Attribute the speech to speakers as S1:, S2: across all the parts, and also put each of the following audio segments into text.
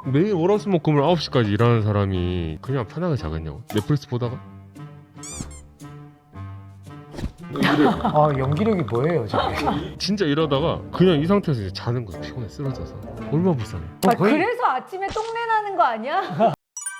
S1: 매일 월화수목금을 9시까지 일하는 사람이 그냥 편하게 자겠냐고. 넷플릭스 보다가
S2: 연기력이 뭐예요 저게?
S1: 진짜 이러다가 그냥 이 상태에서 이제 자는 거야. 피곤해 쓰러져서. 얼마나 불쌍해.
S3: 그래서 아침에 똥내 나는 거 아니야?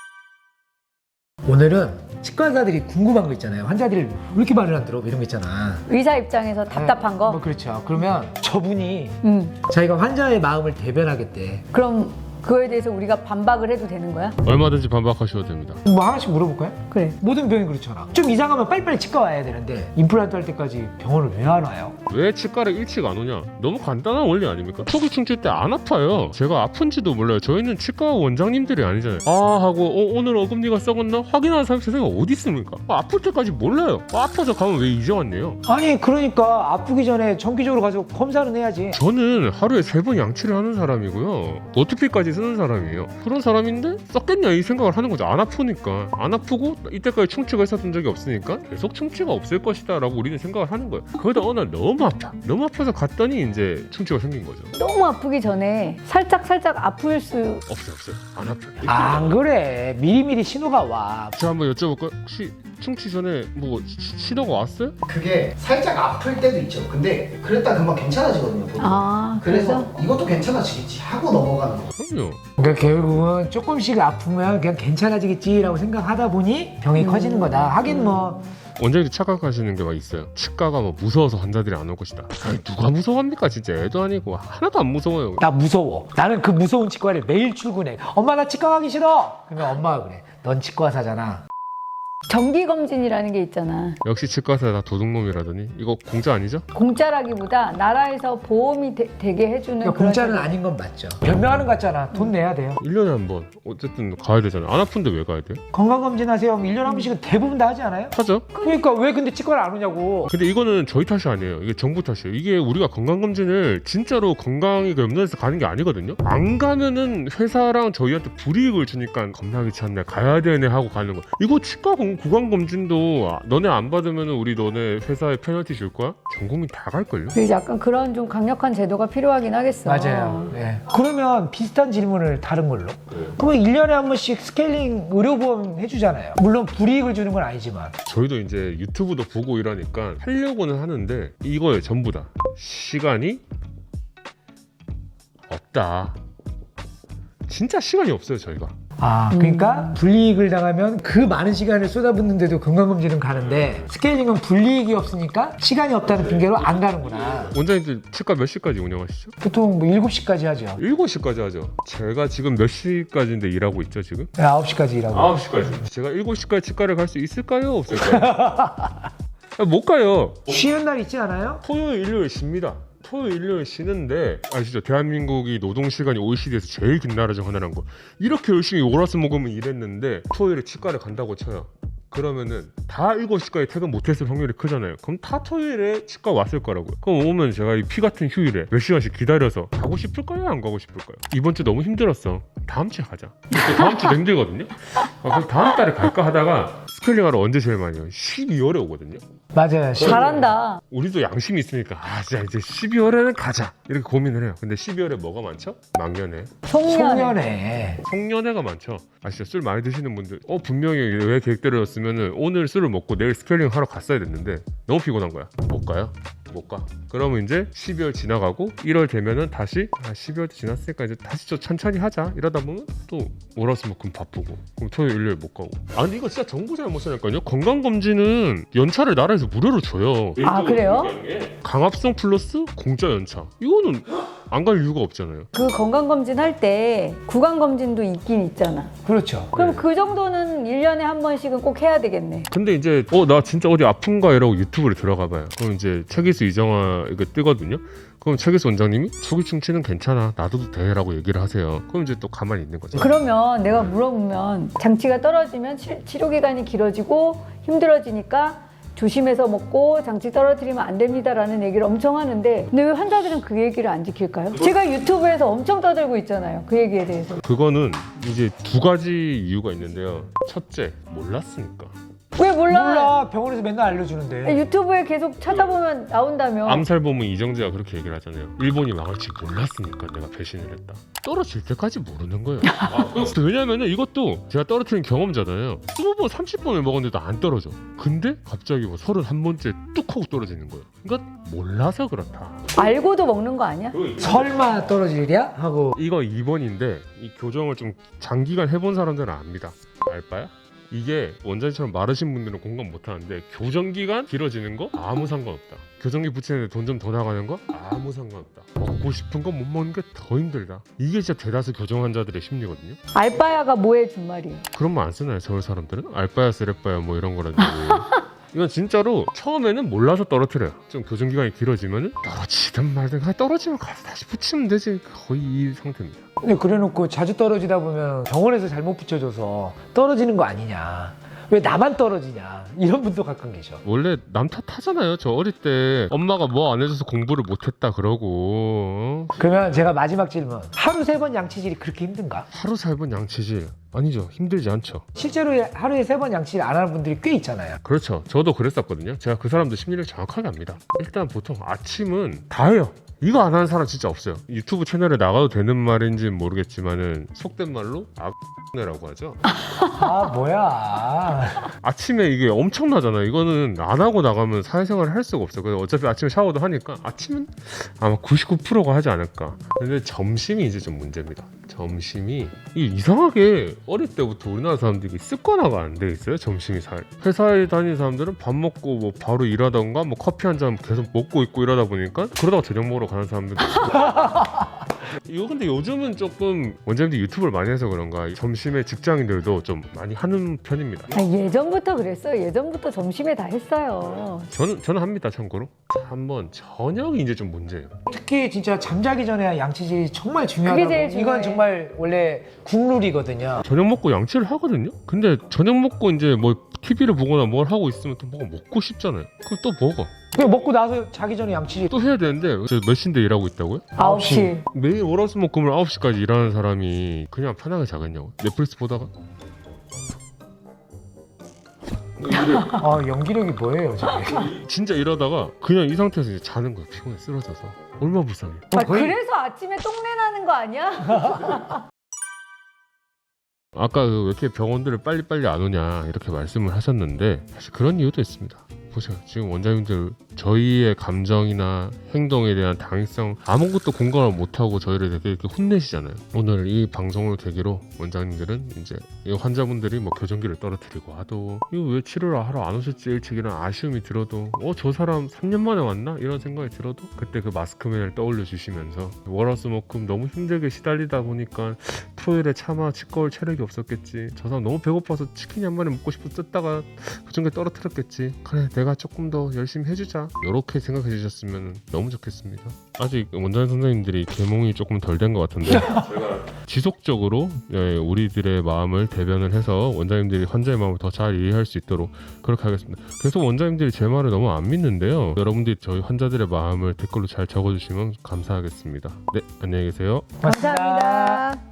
S2: 오늘은 치과 의사들이 궁금한 거 있잖아요. 환자들이 왜 이렇게 말을 안 들어? 뭐 이런 거 있잖아.
S3: 의사 입장에서 답답한 거?
S2: 뭐 그렇죠. 그러면 저분이
S3: 응.
S2: 자기가 환자의 마음을 대변하겠대.
S3: 그럼 그거에 대해서 우리가 반박을 해도 되는 거야?
S1: 얼마든지 반박하셔도 됩니다.
S2: 뭐 하나씩 물어볼까요?
S3: 그래.
S2: 모든 병이 그렇잖아. 좀 이상하면 빨리빨리 치과 와야 되는데 임플란트 할 때까지 병원을 왜 안 와요?
S1: 왜 치과를 일찍 안 오냐? 너무 간단한 원리 아닙니까? 초기 충치 때 안 아파요. 제가 아픈지도 몰라요. 저희는 치과 원장님들이 아니잖아요. 하고 오늘 어금니가 썩었나? 확인하는 사람 세상에 어디 있습니까? 아플 때까지 몰라요. 아파서 가면 왜 이제 왔네요?
S2: 아니 그러니까 아프기 전에 정기적으로 가서 검사는 해야지.
S1: 저는 하루에 3번 양치를 하는 사람이고요. 노트피까지 쓰는 사람이에요. 그런 사람인데 썩겠냐 이 생각을 하는 거죠. 안 아프니까. 안 아프고 이때까지 충치가 있었던 적이 없으니까 계속 충치가 없을 것이다 라고 우리는 생각을 하는 거예요. 그러다 어느 날 너무 아파. 너무 아파서 갔더니 이제 충치가 생긴 거죠.
S3: 너무 아프기 전에 살짝 아플 수
S1: 없어요. 안 아파요.
S2: 안 그래. 미리미리 신호가 와.
S1: 제가 한번 여쭤볼까요? 혹시 충치 전에 뭐 신호가 왔어요?
S4: 그게 살짝 아플 때도 있죠. 근데 그랬다 금방 괜찮아지거든요. 보통. 그래서 이것도 괜찮아지겠지 하고 넘어가는 거.
S1: 그럼요.
S2: 그러니까 결국은 조금씩 아프면 그냥 괜찮아지겠지라고 생각하다 보니 병이 커지는 거다. 하긴 뭐
S1: 원장님이 착각하시는 게 막 있어요. 치과가 뭐 무서워서 환자들이 안 올 것이다. 아니, 누가 무서워합니까? 진짜 애도 아니고 하나도 안 무서워요.
S2: 나 무서워. 나는 그 무서운 치과를 매일 출근해. 엄마 나 치과 가기 싫어. 그러면 엄마가 그래. 넌 치과사잖아.
S3: 정기검진이라는 게 있잖아.
S1: 역시 치과사 다 도둑놈이라더니 이거 공짜 아니죠?
S3: 공짜라기보다 나라에서 보험이 되게 해주는
S2: 그러니까
S3: 그런
S2: 공짜는
S3: 제도.
S2: 아닌 건 맞죠. 변명하는 거 같잖아. 돈 내야 돼요.
S1: 1년에 한 번 어쨌든 가야 되잖아요. 안 아픈데 왜 가야 돼요?
S2: 건강검진 하세요. 1년에 한 번씩은 대부분 다 하지 않아요?
S1: 하죠.
S2: 그러니까 왜 근데 치과를 안 오냐고.
S1: 근데 이거는 저희 탓이 아니에요. 이게 정부 탓이에요. 이게 우리가 건강검진을 진짜로 건강이 염려해서 가는 게 아니거든요. 안 가면은 회사랑 저희한테 불이익을 주니까 겁나 귀찮네 가야 되네 하고 가는 거. 이거 치과 구강검진도 너네 안 받으면 우리 너네 회사에 페널티 줄 거야? 전 국민 다 갈걸요?
S3: 그래서 약간 그런 좀 강력한 제도가 필요하긴 하겠어.
S2: 맞아요. 네. 그러면 비슷한 질문을 다른 걸로. 그러면 1년에 한 번씩 스케일링 의료보험 해주잖아요. 물론 불이익을 주는 건 아니지만.
S1: 저희도 이제 유튜브도 보고 이러니까 하려고는 하는데 이거예요 전부 다. 시간이 없다. 진짜 시간이 없어요 저희가.
S2: 그러니까 불이익을 당하면 그 많은 시간을 쏟아붓는데도 건강검진은 가는데 스케일링은 불이익이 없으니까 시간이 없다는 핑계로 안 가는구나.
S1: 원장님들 치과 몇 시까지 운영하시죠?
S2: 보통 뭐 7시까지 하죠.
S1: 7시까지 하죠. 제가 지금 몇 시까지인데 일하고 있죠 지금?
S2: 네, 9시까지 일하고.
S1: 9시까지. 제가 7시까지 치과를 갈 수 있을까요? 없을까요? 못 가요.
S2: 쉬는 날 있지 않아요?
S1: 토요일, 일요일 쉽니다. 토요일, 일요일 쉬는데 아시죠? 대한민국이 노동시간이 OECD에서 제일 긴 나라 중 하나란 거. 이렇게 열심히 월화수목금을 일했는데 토요일에 치과를 간다고 쳐요. 그러면은 다 7시까지 퇴근 못했을 확률이 크잖아요. 그럼 다 토요일에 치과 왔을 거라고요. 그럼 오면 제가 이 피 같은 휴일에 몇 시간씩 기다려서 가고 싶을까요? 안 가고 싶을까요? 이번 주 너무 힘들었어. 다음 주에 가자. 또 다음 주도 힘들거든요. 그럼 다음 달에 갈까 하다가 스케일링 하러 언제 제일 많이 와요? 12월에 오거든요.
S2: 맞아요.
S3: 잘한다.
S1: 우리도 양심이 있으니까 진짜 이제 12월에는 가자 이렇게 고민을 해요. 근데 12월에 뭐가 많죠? 망년회,
S2: 송년회.
S1: 송년회가 많죠. 아시죠? 술 많이 드시는 분들 분명히 왜 계획대로였으면 오늘 술을 먹고 내일 스케일링 하러 갔어야 됐는데 너무 피곤한 거야. 못 가요? 못 가. 그러면 이제 12월 지나가고 1월 되면은 다시 12월도 지났으니까 이제 다시 좀 천천히 하자 이러다 보면 또 월화수목금 바쁘고 그럼 토요일 일요일 못 가고. 근데 이거 진짜 정부 잘못이라니까요. 건강검진은 연차를 나라에서 무료로 줘요.
S3: 그래요?
S1: 강압성 플러스 공짜 연차. 이거는 안 갈 이유가 없잖아요.
S3: 그 건강검진 할 때 구강검진도 있긴 있잖아.
S2: 그렇죠.
S3: 그럼 그 정도는 1년에 한 번씩은 꼭 해야 되겠네.
S1: 근데 이제 나 진짜 어디 아픈가 이러고 유튜브를 들어가봐요. 그럼 이제 최기수 이정화 이거 뜨거든요. 그럼 최기수 원장님이 초기 충치는 괜찮아 놔둬도 돼 라고 얘기를 하세요. 그럼 이제 또 가만히 있는 거죠.
S3: 그러면 내가 물어보면 장치가 떨어지면 치료 기간이 길어지고 힘들어지니까 조심해서 먹고 장치 떨어뜨리면 안 됩니다라는 얘기를 엄청 하는데 근데 왜 환자들은 그 얘기를 안 지킬까요? 제가 유튜브에서 엄청 떠들고 있잖아요. 그 얘기에 대해서.
S1: 그거는 이제 두 가지 이유가 있는데요. 첫째, 몰랐으니까.
S3: 왜 몰라?
S2: 몰라. 병원에서 맨날 알려주는데.
S3: 유튜브에 계속 찾아보면 나온다며.
S1: 암살보면 이정재가 그렇게 얘기를 하잖아요. 일본이 망할지 몰랐으니까 내가 배신을 했다. 떨어질 때까지 모르는 거예요. 왜냐면은 이것도 제가 떨어뜨린 경험자잖아요. 20번, 30번을 먹었는데도 안 떨어져. 근데 갑자기 뭐 31번째 뚝 하고 떨어지는 거예요. 그러니까 몰라서 그렇다.
S3: 알고도 먹는 거 아니야?
S2: 설마 떨어지랴? 하고.
S1: 이거 2번인데 이 교정을 좀 장기간 해본 사람들은 압니다. 알바야? 이게 원장님처럼 마르신 분들은 공감 못하는데 교정기간 길어지는 거 아무 상관없다. 교정기 붙이는데 돈 좀 더 나가는 거 아무 상관없다. 먹고 싶은 거 못 먹는 게 더 힘들다. 이게 진짜 대다수 교정 환자들의 심리거든요.
S3: 알바야가 뭐해 준 말이에요?
S1: 그런 말 안 쓰나요 서울 사람들은? 알바야 쓰레빠야 뭐 이런 거라든지. 이건 진짜로 처음에는 몰라서 떨어뜨려요. 좀 교정기간이 길어지면 떨어지든 말든 그냥 떨어지면 가서 다시 붙이면 되지. 거의 이 상태입니다.
S2: 근데 그래놓고 자주 떨어지다 보면 병원에서 잘못 붙여줘서 떨어지는 거 아니냐. 왜 나만 떨어지냐. 이런 분도 가끔 계셔.
S1: 원래 남 탓하잖아요. 저 어릴 때 엄마가 뭐 안 해줘서 공부를 못했다 그러고.
S2: 그러면 제가 마지막 질문. 하루 3번 양치질이 그렇게 힘든가?
S1: 하루 3번 양치질 아니죠. 힘들지 않죠.
S2: 실제로 하루에 3번 양치질 안 하는 분들이 꽤 있잖아요.
S1: 그렇죠. 저도 그랬었거든요. 제가 그 사람들 심리를 정확하게 압니다. 일단 보통 아침은 다 해요. 이거 안 하는 사람 진짜 없어요. 유튜브 채널에 나가도 되는 말인지는 모르겠지만은 속된 말로 아네라고 하죠.
S2: 아 뭐야.
S1: 아침에 이게 엄청나잖아요. 이거는 안 하고 나가면 사회생활을 할 수가 없어요. 그래서 어차피 아침에 샤워도 하니까 아침은 아마 99%가 하지 않을까. 근데 점심이 이제 좀 문제입니다. 점심이 이상하게 어릴 때부터 우리나라 사람들이 습관화가 안 돼 있어요. 점심이 잘. 회사에 다니는 사람들은 밥 먹고 뭐 바로 일하던가 뭐 커피 한 잔 계속 먹고 있고 이러다 보니까 그러다가 저녁 먹으러 가는 사람들도 이거 근데 요즘은 조금 원장님들 유튜브를 많이 해서 그런가 점심에 직장인들도 좀 많이 하는 편입니다.
S3: 예전부터 그랬어요. 예전부터 점심에 다 했어요.
S1: 저는 합니다. 참고로 한번 저녁이 이제 좀 문제예요.
S2: 특히 진짜 잠자기 전에 양치질이 정말
S3: 그게
S2: 중요하다고.
S3: 제일 중요해.
S2: 이건 정말 원래 국룰이거든요.
S1: 저녁 먹고 양치를 하거든요. 근데 저녁 먹고 이제 뭐 TV를 보거나 뭘 하고 있으면 또 뭐가 먹고 싶잖아요. 그럼 또 먹어.
S2: 그냥 먹고 나서 자기 전에 양치질.
S1: 또 해야 되는데 저 몇 시인데 일하고 있다고요?
S3: 9시.
S1: 매일 월화수목금을 9시까지 일하는 사람이 그냥 편하게 자겠냐고. 넷플릭스 보다가
S2: 아 연기력이 뭐예요 저게.
S1: 진짜 이러다가 그냥 이 상태에서 이제 자는 거예요. 피곤해 쓰러져서. 얼마나 불쌍해.
S3: 그래서 아침에 똥내 나는 거 아니야?
S1: 아까 왜 이렇게 병원들을 빨리빨리 안 오냐 이렇게 말씀을 하셨는데 사실 그런 이유도 있습니다. 보세요. 지금 원장님들 저희의 감정이나 행동에 대한 당위성 아무것도 공감을 못하고 저희를 되게 이렇게 혼내시잖아요. 오늘 이 방송을 계기로 원장님들은 이제 이 환자분들이 뭐 교정기를 떨어뜨리고 하도 이거 왜 치료를 하러 안 오셨지 일찍이라는 아쉬움이 들어도 저 사람 3년 만에 왔나? 이런 생각이 들어도 그때 그 마스크맨을 떠올려 주시면서 월화수목금 너무 힘들게 시달리다 보니까 토요일에 차마 치과 올 체력이 없었겠지. 저 사람 너무 배고파서 치킨 한 마리 먹고 싶어 뜯다가 교정기 떨어뜨렸겠지. 그래 내가 조금 더 열심히 해주자. 이렇게 생각해 주셨으면 너무 좋겠습니다. 아직 원장님 선생님들이 계몽이 조금 덜 된 것 같은데 제가 지속적으로 우리들의 마음을 대변을 해서 원장님들이 환자의 마음을 더 잘 이해할 수 있도록 그렇게 하겠습니다. 계속 원장님들이 제 말을 너무 안 믿는데요. 여러분들이 저희 환자들의 마음을 댓글로 잘 적어주시면 감사하겠습니다. 네, 안녕히 계세요.
S3: 감사합니다.